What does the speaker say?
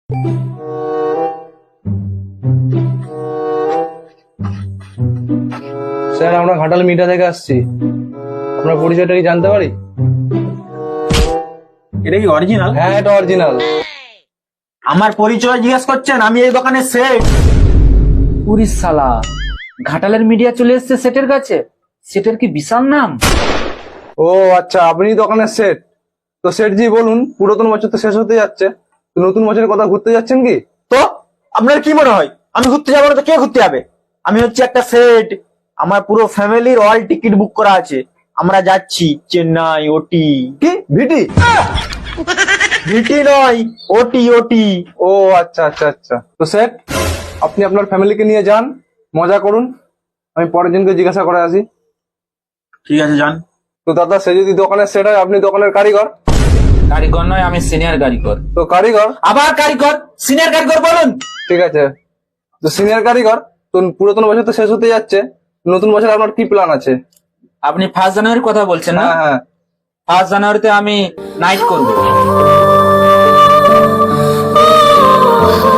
Sir, আমরা ঘাটাল মিঠা থেকে আসছি। আপনার পরিচয়টা কি জানতে পারি? এটা কি অরিজিনাল? হ্যাঁ, এটা অরিজিনাল। আমার পরিচয় জিজ্ঞেস করছেন? আমি এই দোকানের সেট। উড়িস শালা, ঘাটালের মিডিয়া চলে এসছে সেটের কাছে। সেটের কি বিশাল নাম। ও আচ্ছা, আপনি দোকানের সেট। তো সেট জি বলুন, পুরাতন বছর তো শেষ হতে যাচ্ছে, তো নতুন বছরের কথা ঘুরতে যাচ্ছেন কি? তো আপনার কি মনে হয় আমি ঘুরতে যাবো না তো কে ঘুরতে যাবে? আমি হচ্ছে একটা সেট, আমার পুরো ফ্যামিলির অল টিকিট বুক করা আছে। আমরা যাচ্ছি চেন্নাই, ওটি। কি ভিটি? ভিটি নয়, ওটি ওটি। ও আচ্ছা আচ্ছা আচ্ছা। তো সেট, আপনি আপনার ফ্যামিলিকে নিয়ে যান, মজা করুন। আমি পরের জনকে জিজ্ঞাসা করে আসি। ঠিক আছে, যান। তো দাদা, সে যদি দোকানের সেট হয়, আপনি দোকানের কারিগর। কারিগর নয়, আমি সিনিয়র কারিগর। তো কারিগর? আবার কারিগর? সিনিয়র কারিগর বলুন। ঠিক আছে, তো সিনিয়র কারিগর। তো পুরাতন বছর তো শেষ হতে যাচ্ছে, নতুন বছর আপনার কি প্ল্যান আছে? আপনি 1 জানুয়ারির কথা বলছেন না? হ্যাঁ হ্যাঁ। 1 জানুয়ারিতে আমি নাইট করব।